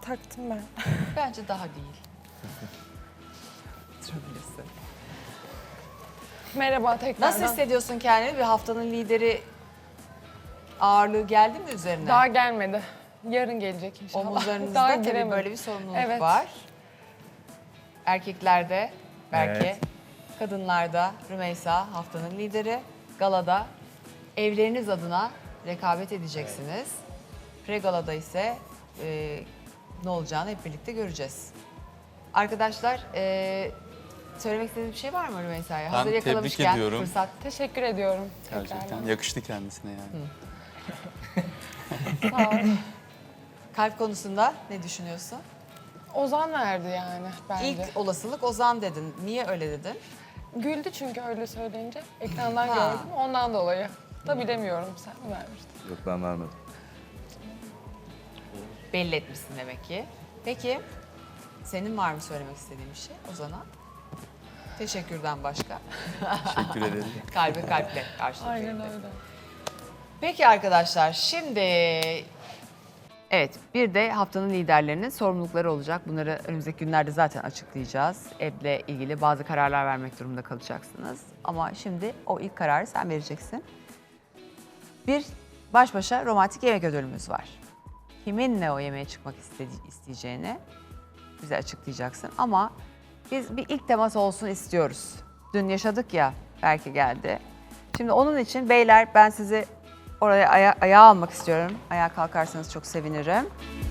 Taktım ben. Bence daha değil. Merhaba tekrardan. Nasıl hissediyorsun kendini? Bir haftanın lideri ağırlığı geldi mi üzerine? Daha gelmedi. Yarın gelecek inşallah. Omuzlarınızda Daha tabii giremedim. böyle bir sorumluluk Evet. var. Erkeklerde belki, Evet. kadınlarda Rümeysa haftanın lideri. Galada evleriniz adına rekabet edeceksiniz. Pre-galada ise ne olacağını hep birlikte göreceğiz. Arkadaşlar söylemek istediğiniz bir şey var mı Rümeysa'ya? Ben Hazır tebrik yakalamışken ediyorum. fırsat. Teşekkür ediyorum. Gerçekten tekrardan. yakıştı kendisine yani. Sağ ol. Kalp konusunda ne düşünüyorsun? Ozan verdi yani bence. İlk olasılık Ozan dedin. Niye öyle dedin? Güldü çünkü öyle söyleyince. Ekrandan Ha. gördüm ondan dolayı. Da bilemiyorum sen mi vermiştin? Yok ben vermedim. Belli etmişsin demek ki. Peki senin var mı söylemek istediğin bir şey Ozan'a? Teşekkürden başka. Teşekkür ederim. Kalbe kalple karşılık Aynen verildi. öyle. Peki arkadaşlar şimdi evet bir de haftanın liderlerinin sorumlulukları olacak. Bunları önümüzdeki günlerde zaten açıklayacağız. Evle ilgili bazı kararlar vermek durumunda kalacaksınız. Ama şimdi o ilk kararı sen vereceksin. Bir baş başa romantik yemek ödülümüz var. Kiminle o yemeğe çıkmak isteyeceğini bize açıklayacaksın. Ama biz bir ilk temas olsun istiyoruz. Dün yaşadık ya, belki geldi. Şimdi onun için beyler ben sizi oraya ayağa almak istiyorum. Ayağa kalkarsanız çok sevinirim.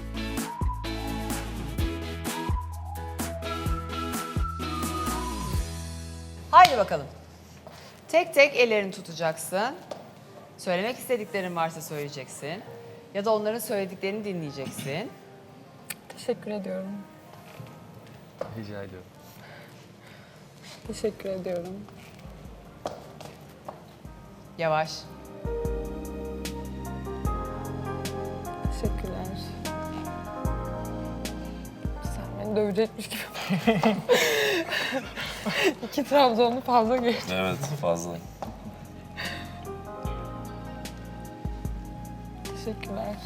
Haydi bakalım. Tek tek ellerini tutacaksın. Söylemek istediklerin varsa söyleyeceksin. Ya da onların söylediklerini dinleyeceksin. Teşekkür ediyorum. Rica ediyorum. Teşekkür ediyorum. Yavaş. Teşekkürler. Sen beni dövecekmiş gibi. 2 Trabzonlu fazla geçti. Evet fazla. Teşekkürler.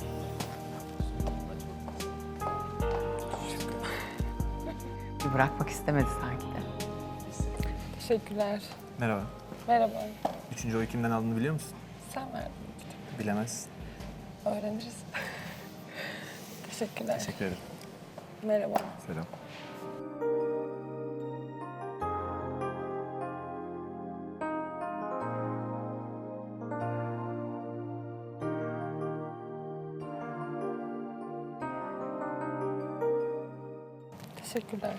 Bir bırakmak istemedi sanki de. Teşekkürler. Merhaba. Merhaba. Üçüncü oyu kimden aldığını biliyor musun? Sen verdin. Bilemezsin. Öğreniriz. Teşekkürler. Teşekkür ederim. Merhaba. Selam. Teşekkürler.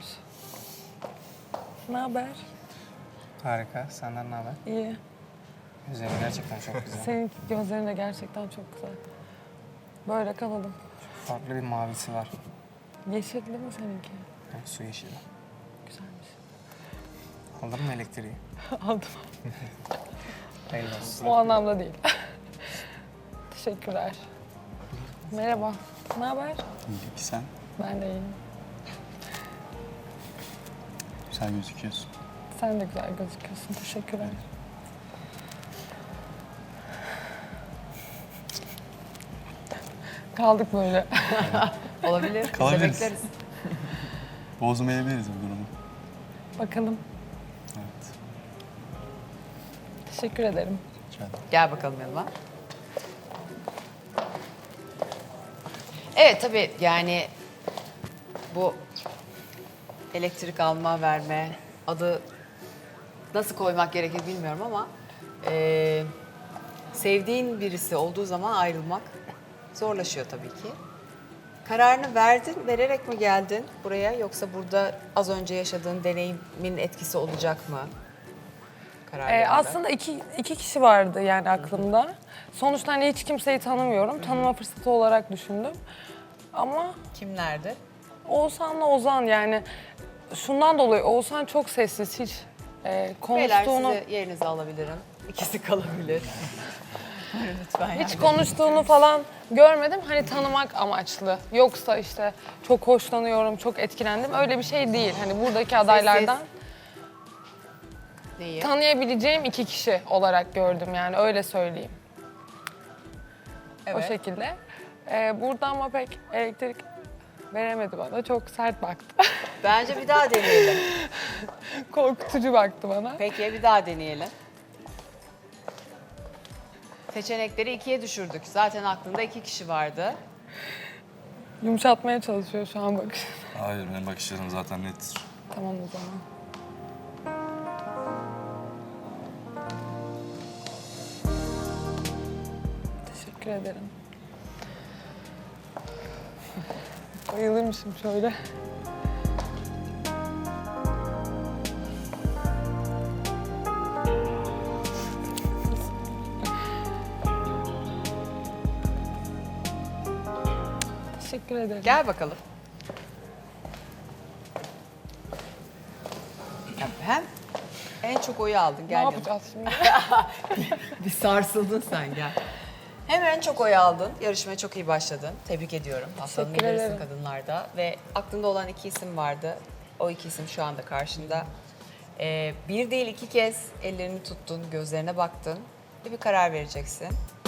Ne haber? Harika. Senden ne haber? İyi. Güzel. Gerçekten çok güzel. Senin gözlerin de gerçekten çok güzel. Böyle kalalım. Farklı bir mavisi var. Yeşilli mi seninki? Yani su yeşili. Güzelmiş. Aldın mı elektriği? Aldım. Hayırlı olsun. O anlamda değil. Teşekkürler. Merhaba. Ne haber? İyi ki sen. Ben de iyiyim. Güzel gözüküyorsun. Sen de güzel gözüküyorsun. Teşekkürler. Kaldık böyle. Olabilir. Biz de Kalabiliriz. bekleriz. Bozmayabiliriz bu durumu. Bakalım. Evet. Teşekkür ederim. Rica ederim. Gel bakalım yanıma. Evet tabii yani bu elektrik alma verme adı nasıl koymak gerekir bilmiyorum ama sevdiğin birisi olduğu zaman ayrılmak zorlaşıyor tabii ki. Kararını verdin, vererek mi geldin buraya yoksa burada az önce yaşadığın deneyimin etkisi olacak mı? Kararlarında? Aslında iki kişi vardı yani aklımda. Sonuçta hani hiç kimseyi tanımıyorum. Tanıma fırsatı olarak düşündüm. Ama Kimlerdi? Oğuzhan'la Ozan yani şundan dolayı Oğuzhan çok sessiz hiç Beyler konuştuğunu sizi yerinize alabilirim. İkisi kalabilir. Lütfen hiç yani. konuştuğunu falan görmedim. Hani tanımak amaçlı. Yoksa işte çok hoşlanıyorum, çok etkilendim. Öyle bir şey değil. Hani buradaki adaylardan Neyi? tanıyabileceğim 2 kişi olarak gördüm yani öyle söyleyeyim. O Evet. şekilde. Burada ama pek elektrik Veremedi bana. Çok sert baktı. Bence bir daha deneyelim. Korkutucu baktı bana. Peki bir daha deneyelim. Seçenekleri 2'ye düşürdük. Zaten aklında 2 kişi vardı. Yumuşatmaya çalışıyor şu an bakış. Hayır, benim bakışlarım zaten nettir. Tamam o zaman. Teşekkür ederim. Bayılırmışım şöyle. Teşekkür ederim. Gel bakalım. Ya hem en çok oyu aldın. Ne Gel yanıma. yapacağız şimdi? Bir sarsıldın sen gel. Hem en çok oy aldın. Yarışmaya çok iyi başladın. Tebrik ediyorum. Haftanın Teşekkür liderisin ederim. kadınlarda. Ve aklında olan 2 isim vardı. O 2 isim şu anda karşında. Bir değil 2 kez ellerini tuttun, gözlerine baktın. Ve bir karar vereceksin.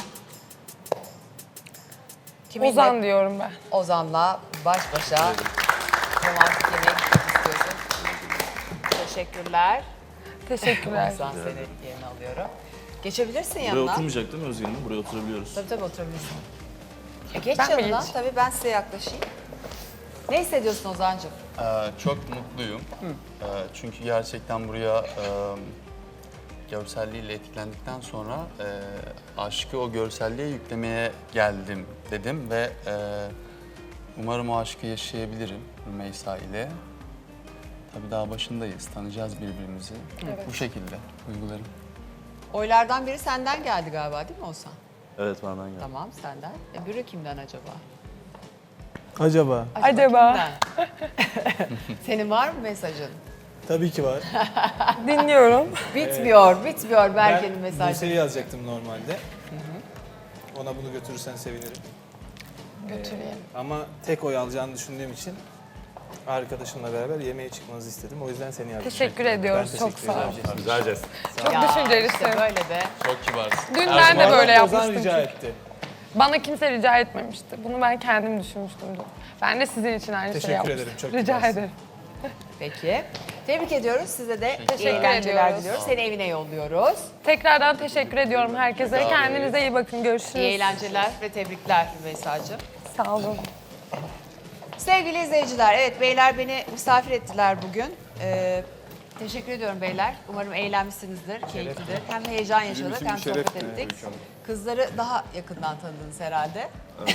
Kiminle? Ozan diyorum ben. Ozan'la baş başa romantik yemeğe gitmek istiyorsun. Teşekkürler. Teşekkürler. Ozan seni yerine alıyorum. Geçebilir Buraya yanına. oturmayacak değil mi Özge Hanım? Buraya oturabiliyoruz. Tabii oturabilirsin. Geç Ben mi yanına. geç? Tabii ben size yaklaşayım. Ne hissediyorsun Ozan'cığım? Çok mutluyum. Çünkü gerçekten buraya görselliğiyle etkilendikten sonra aşkı o görselliğe yüklemeye geldim dedim ve umarım o aşkı yaşayabilirim Rümeysa ile. Tabii daha başındayız, tanıyacağız birbirimizi. Evet. Bu şekilde duygularım. Oylardan biri senden geldi galiba değil mi Ozan? Evet, benden geldi. Tamam senden. Biri kimden acaba? Acaba? Acaba Kimden? Senin var mı mesajın? Tabii ki var. dinliyorum. Bitmiyor Berke'nin Ben mesajı. Buse'yi yazacaktım normalde. Ona bunu götürürsen sevinirim. Götüreyim. Ama tek oy alacağını düşündüğüm için arkadaşımla beraber yemeğe çıkmanızı istedim. O yüzden seni yazdım. Teşekkür ediyoruz. Ben Çok teşekkür sağ ol. ederim. Güzel jest. Çok Ya, düşüncelisin. işte böyle de. Çok kibarsın. Dün ben de Bu böyle arada Ozan yapmıştım. rica çünkü. etti. Bana kimse rica etmemişti. Bunu ben kendim düşünmüştüm dün. Ben de sizin için aynı Teşekkür şeyi yapmıştım. ederim, çok Rica kibarsın. ederim. Peki. Tebrik ediyoruz. Size de iyi Teşekkür eğlenceler ediyoruz. diliyoruz. Seni evine yolluyoruz. Tekrardan teşekkür ediyorum herkese. Kendinize iyi bakın. Görüşürüz. İyi eğlenceler ve tebrikler Rümeysa'cığım. Sağ olun. Sevgili izleyiciler, evet beyler beni misafir ettiler bugün. Teşekkür ediyorum beyler. Umarım eğlenmişsinizdir, keyiflidir. Hem heyecan yaşadık hem sohbet ettik. Kızları daha yakından tanıdınız herhalde.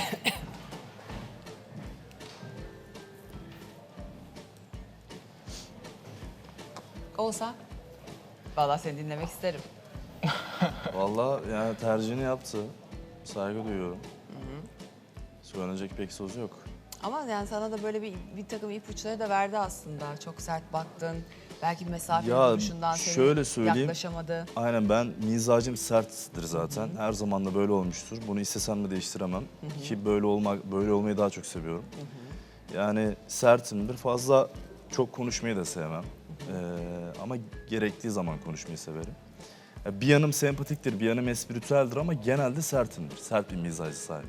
Olsa, vallahi seni dinlemek isterim. Vallahi yani tercihini yaptı. Saygı duyuyorum. Söylenecek pek söz yok. Ama yani sana da böyle bir takım ipuçları da verdi aslında. Çok sert baktın. Belki mesafe Ya, duruşundan seni şöyle söyleyeyim. yaklaşamadı. Aynen, ben mizacım serttir zaten. Her zaman da böyle olmuştur. Bunu istesem de değiştiremem. Ki böyle olmayı daha çok seviyorum. Yani sertimdir. Fazla çok konuşmayı da sevmem. Ama gerektiği zaman konuşmayı severim. Ya bir yanım sempatiktir, bir yanım espritüeldir ama genelde sertimdir. Sert bir mizacı sahip.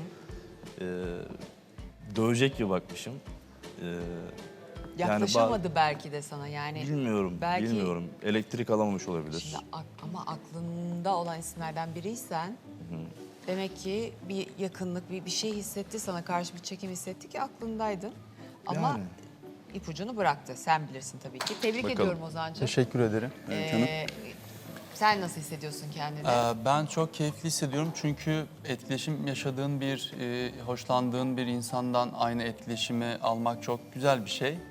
Dövecek gibi bakmışım. Yaklaşamadı belki de sana yani. Bilmiyorum, Belki- bilmiyorum. Elektrik alamamış olabilir. Şimdi ama aklında olan isimlerden biriysen demek ki bir yakınlık, bir şey hissetti sana karşı bir çekim hissetti ki aklındaydın. Ama Yani. ipucunu bıraktı. Sen bilirsin tabii ki. Tebrik Bakalım. ediyorum Ozan'cığım. Teşekkür ederim. Canım. Sen nasıl hissediyorsun kendini? Ben çok keyifli hissediyorum çünkü etkileşim yaşadığın bir, hoşlandığın bir insandan aynı etkileşimi almak çok güzel bir şey.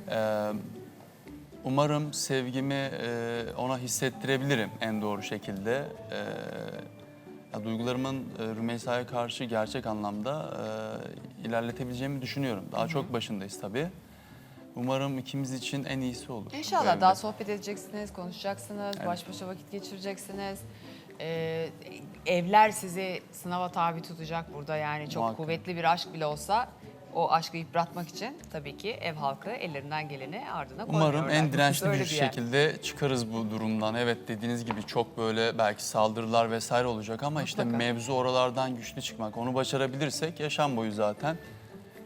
Umarım sevgimi ona hissettirebilirim en doğru şekilde. Duygularımın Rümeysa'ya karşı gerçek anlamda ilerletebileceğimi düşünüyorum. Daha çok başındayız tabii. Umarım ikimiz için en iyisi olur. İnşallah bu evde. daha sohbet edeceksiniz, konuşacaksınız, baş başa vakit geçireceksiniz. Evler sizi sınava tabi tutacak burada yani çok Muhakkak. kuvvetli bir aşk bile olsa o aşkı yıpratmak için tabii ki ev halkı ellerinden geleni ardına koymuyorlar. Umarım en dirençli Böyle bir yer. şekilde çıkarız bu durumdan. Evet, dediğiniz gibi çok böyle belki saldırılar vesaire olacak ama işte Mutlaka. mevzu oralardan güçlü çıkmak. Onu başarabilirsek yaşam boyu zaten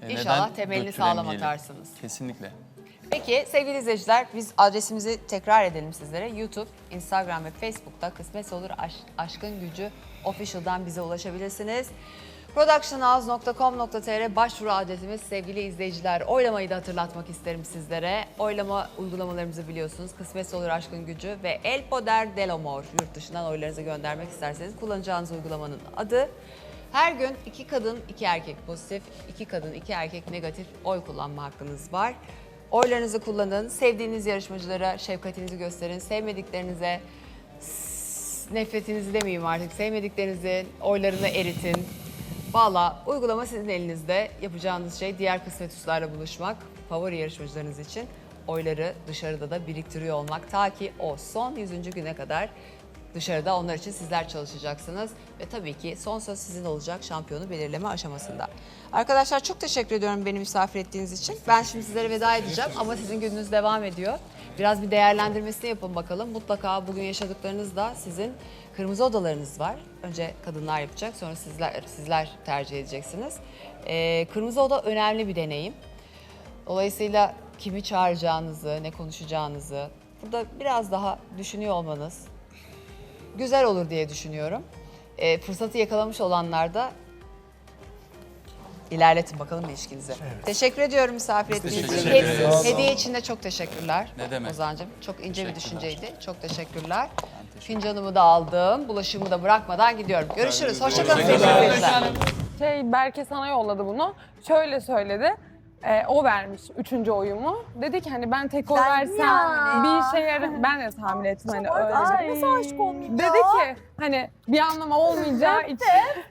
İnşallah neden temelini sağlam dökülemeyelim? atarsınız. Kesinlikle. Peki sevgili izleyiciler biz adresimizi tekrar edelim sizlere. YouTube, Instagram ve Facebook'ta Kısmetse Olur Aşkın Gücü Official'dan bize ulaşabilirsiniz. productionhouse.com.tr başvuru adresimiz sevgili izleyiciler. Oylamayı da hatırlatmak isterim sizlere. Oylama uygulamalarımızı biliyorsunuz. Kısmetse Olur Aşkın Gücü ve El Poder del Amor. Yurt dışından oylarınızı göndermek isterseniz kullanacağınız uygulamanın adı. Her gün 2 kadın 2 erkek pozitif, 2 kadın 2 erkek negatif oy kullanma hakkınız var. Oylarınızı kullanın, sevdiğiniz yarışmacılara şefkatinizi gösterin, sevmediklerinize nefretinizi demeyeyim artık, sevmediklerinizi oylarını eritin. Valla uygulama sizin elinizde. Yapacağınız şey diğer kısmetüslerle buluşmak, favori yarışmacılarınız için oyları dışarıda da biriktiriyor olmak. Ta ki o son 100. güne kadar dışarıda onlar için sizler çalışacaksınız. Ve tabii ki son söz sizin olacak şampiyonu belirleme aşamasında. Arkadaşlar çok teşekkür ediyorum beni misafir ettiğiniz için. Ben şimdi sizlere veda edeceğim ama sizin gününüz devam ediyor. Biraz bir değerlendirmesini yapın bakalım. Mutlaka bugün yaşadıklarınız da sizin kırmızı odalarınız var. Önce kadınlar yapacak, sonra sizler tercih edeceksiniz. Kırmızı oda önemli bir deneyim. Dolayısıyla kimi çağıracağınızı, ne konuşacağınızı burada biraz daha düşünüyor olmanız güzel olur diye düşünüyorum. Fırsatı yakalamış olanlar da ilerletin bakalım ilişkinizi. Teşekkür ediyorum misafir ettiğiniz için. teşekkür ederiz. Hediye için de çok teşekkürler. Ne demek. Ozan'cığım çok ince bir Teşekkürler. düşünceydi. Çok teşekkürler. Fincanımı da aldım. Bulaşığımı da bırakmadan gidiyorum. Görüşürüz. Hoşçakalın sevgili izleyiciler. Berke sana yolladı bunu. Şöyle söyledi. O vermiş 3. oyumu. Dedi ki hani ben tek oy versem bir şey yarar. Ben de tahmin ettim hani öyle. Nasıl aşık olmayayım Dedi ki hani bir anlamı olmayacağı için.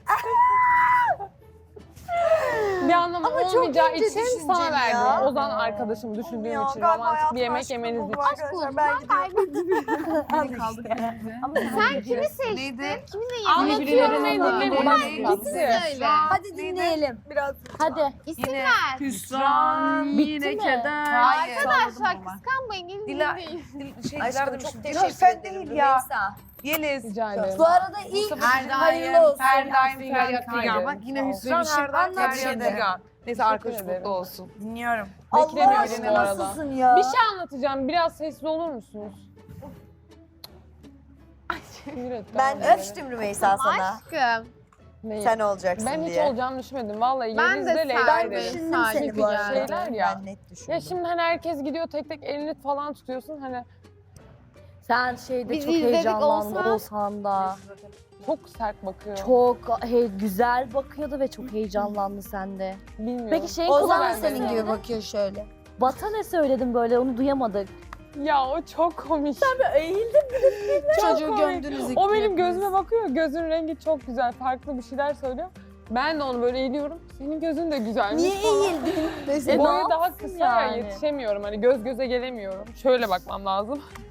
Bir anlamı Ama çok olmayacağı ince için sana düşünceli verdim. ya. Ozan arkadaşım düşündüğüm Ya, için galiba romantik bir hayatım yemek aşkım yemeniz bu için. arkadaşlar. Ben gidiyorum. Sen kimi seçtin? Kiminle Anlatıyorum ne söyle. Hadi dinleyelim biraz. Hadi. İsim ver. Hüsran, yine keder. Arkadaşlar kıskanmayın. Gelin dinleyin. Aşkım çok teşekkür ederim. Değil ya. Yeliz. Rica ederim. Bu arada ilk hayırlı olsun. Her daim Figan. Bak yine Hüsran her daim Figan. Neyse arkadaş mutlu olsun. Dinliyorum. Beklemiyorum Allah bu aşkına arada. nasılsın ya? Bir şey anlatacağım. Biraz sesli olur musunuz? Sinir etti Ben abi beni. öptüm Rümeysa sana. Aşkım. Neyi? Sen olacaksın Ben hiç diye. olacağını düşünmedim. Vallahi Ben Yeliz de de Leyla sen derim. Düşündüm Sadece seni bu arada. şeyler ya. Ben net düşündüm. Ya şimdi hani herkes gidiyor tek tek elini falan tutuyorsun hani Sen şeyde Biz çok izledik heyecanlandın olsa. Oğuzhan da. çok sert bakıyor. Çok güzel bakıyordu ve çok heyecanlandı sende. Bilmiyorum. Peki şeyin Ozan da kulağına senin ne gibi bakıyor şöyle. Bata ne söyledin böyle onu duyamadık. Ya o çok komik. Çocuğu komik. gömdünüz O benim gözüme bakıyor. Gözün rengi çok güzel. Farklı bir şeyler söylüyor. Ben de onu böyle eğiliyorum. Senin gözün de güzelmiş. Niye eğildin? Mesela. Boyu daha yapsın kısa ya yani? yetişemiyorum. Hani göz göze gelemiyorum. Şöyle bakmam lazım.